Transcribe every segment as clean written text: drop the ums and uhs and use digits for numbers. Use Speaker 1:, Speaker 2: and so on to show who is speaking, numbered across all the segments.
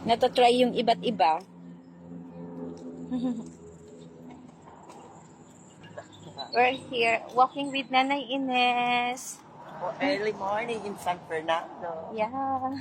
Speaker 1: Natatry yung iba't iba. We're here walking with Nanay Ines.
Speaker 2: Early morning in San Fernando.
Speaker 1: Yeah.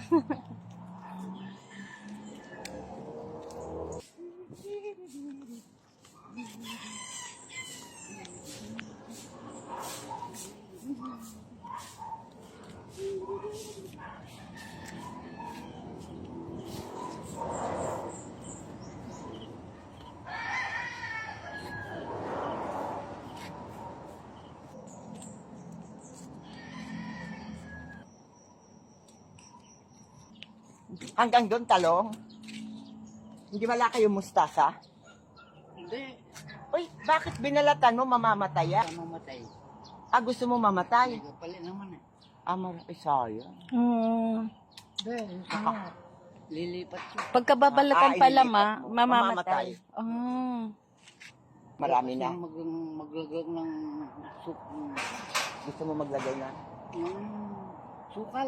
Speaker 2: Hanggang doon, talong? Hindi wala kayong mustasa?
Speaker 3: Hindi.
Speaker 2: Uy, bakit binalatan mo mamamatay?
Speaker 3: Mamatay.
Speaker 2: Gusto mo mamatay?
Speaker 3: Nagpalit naman eh.
Speaker 2: Marami sayang.
Speaker 3: Hindi. Lilipat siya.
Speaker 1: Pagkababalatan pala
Speaker 2: ililipat mo.
Speaker 1: mamamatay.
Speaker 2: Marami na.
Speaker 3: Maglaglag ng
Speaker 2: Gusto mo maglagay na?
Speaker 3: sukal.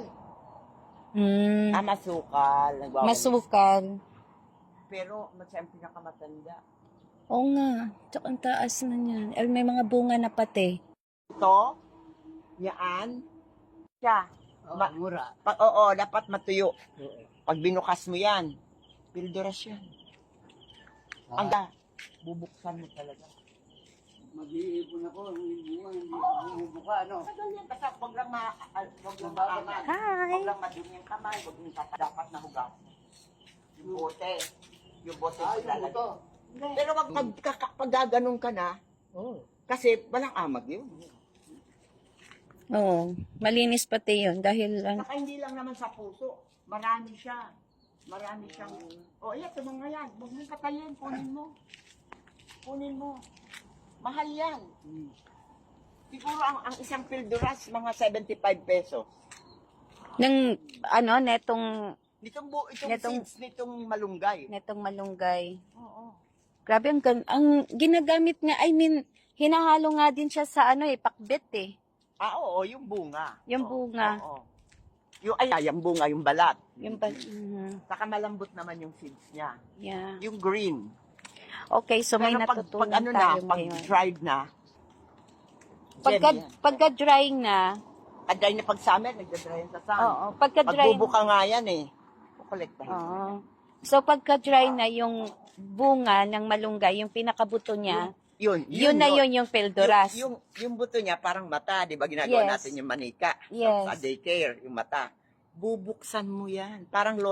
Speaker 2: Masukal. Nagwawalis.
Speaker 1: Masukal.
Speaker 2: Pero, siyempre pinakamatanda.
Speaker 1: Oo nga. Tsaka ang taas na niyan. May mga bunga na pati.
Speaker 2: Ito, yaan, siya.
Speaker 3: Mura.
Speaker 2: Oo, dapat matuyo.
Speaker 3: Oo.
Speaker 2: Pag binukas mo yan, pilduras yan. Bubuksan mo talaga.
Speaker 3: Mag-iipon ako. Hindi bumubuka, ano?
Speaker 2: Basta huwag lang
Speaker 1: Hi!
Speaker 2: Huwag lang madumi yung kamay, huwag yung dapat na hugas. Yung bote. Yung bote mo lalagay. Pero wag pag gaganong ka na, kasi walang amag yun.
Speaker 1: Oo. Malinis pati yun dahil
Speaker 2: Saka hindi lang naman sa puso. Marami siya. Marami siyang... ito mga yan. Huwag mong patayin. Kunin mo. Kunin mo. Mahal yan. Siguro ang isang pilduras, mga 75 pesos.
Speaker 1: ng netong
Speaker 2: Itong seeds, nitong malunggay.
Speaker 1: malunggay.
Speaker 2: Oo.
Speaker 1: Grabe ang ginagamit nga, hinahalo nga din siya sa pakbet eh.
Speaker 2: Oo, yung bunga.
Speaker 1: Yung bunga.
Speaker 2: Oo. Yung bunga, yung balat.
Speaker 1: Yung
Speaker 2: Saka malambot naman yung seeds niya.
Speaker 1: yeah.
Speaker 2: Yung green.
Speaker 1: Okay, so may
Speaker 2: Pero
Speaker 1: natutunan
Speaker 2: pag
Speaker 1: tayo
Speaker 2: pag
Speaker 1: ngayon.
Speaker 2: dried na, gem yan.
Speaker 1: Pagka-drying na,
Speaker 2: Pag-dry na pag summer, nagda-dry yan sa sun.
Speaker 1: oo, pagka-drying,
Speaker 2: Magbubuka nga yan eh. Kukolektahin.
Speaker 1: oo. So pagka-dry na yung bunga ng malunggay, yung pinakabuto niya, yun na yung pilduras.
Speaker 2: Yung buto niya parang mata, di ba ginagawa
Speaker 1: Yes.
Speaker 2: natin yung manika
Speaker 1: Yes.
Speaker 2: sa daycare, yung mata. Bubuksan mo yan. Parang